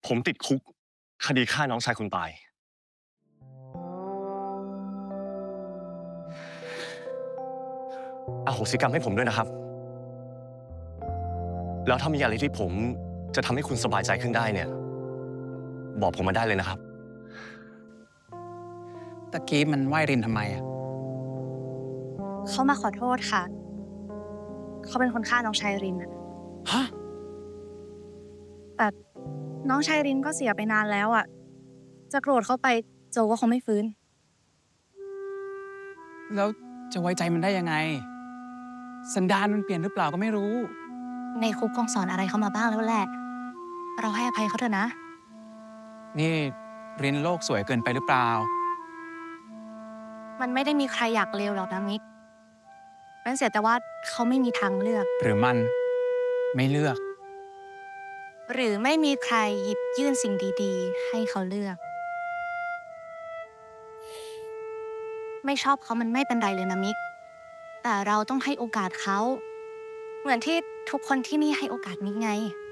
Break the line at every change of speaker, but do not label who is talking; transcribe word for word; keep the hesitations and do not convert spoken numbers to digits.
ผมติดคุกคดีฆ่าน้องชายคุณตายอโหสิกรรมให้ผมด้วยนะครับ แล้วถ้ามีอะไรที่ผมจะทำให้คุณสบายใจขึ้นได้เนี่ย บอกผมมาได้เลยนะครับ
ตะกี้มันไหว้รินทำไมอะ
เขามาขอโทษค่ะ เขาเป็นคนฆ่าน้องชายรินอะ
ฮะ
แต่น้องชายรินก็เสียไปนานแล้วอะจะโกรธเขาไปโจก็คงไม่ฟื้น
แล้วจะไว้ใจมันได้ยังไง สันดานมันเปลี่ยนหรือเปล่าก็ไม่รู้
ในคุกคงสอนอะไรเขามาบ้างแล้วแหละ เราให้อภัยเขาเถอะนะ
นี่รินโลกสวยเกินไปหรือเปล่า
มันไม่ได้มีใครอยากเลวหรอกนะมิกมันเสียแต่ว่าเขาไม่มีทางเลือก
หรือมันไม่เลือก
หรือไม่มีใครหยิบยื่นสิ่งดีๆ ให้เขาเลือก ไม่ชอบเขามันไม่เป็นไรเลยนะมิก แต่เราต้องให้โอกาสเขา เหมือนที่ทุกคนที่นี่ให้โอกาสมิกไง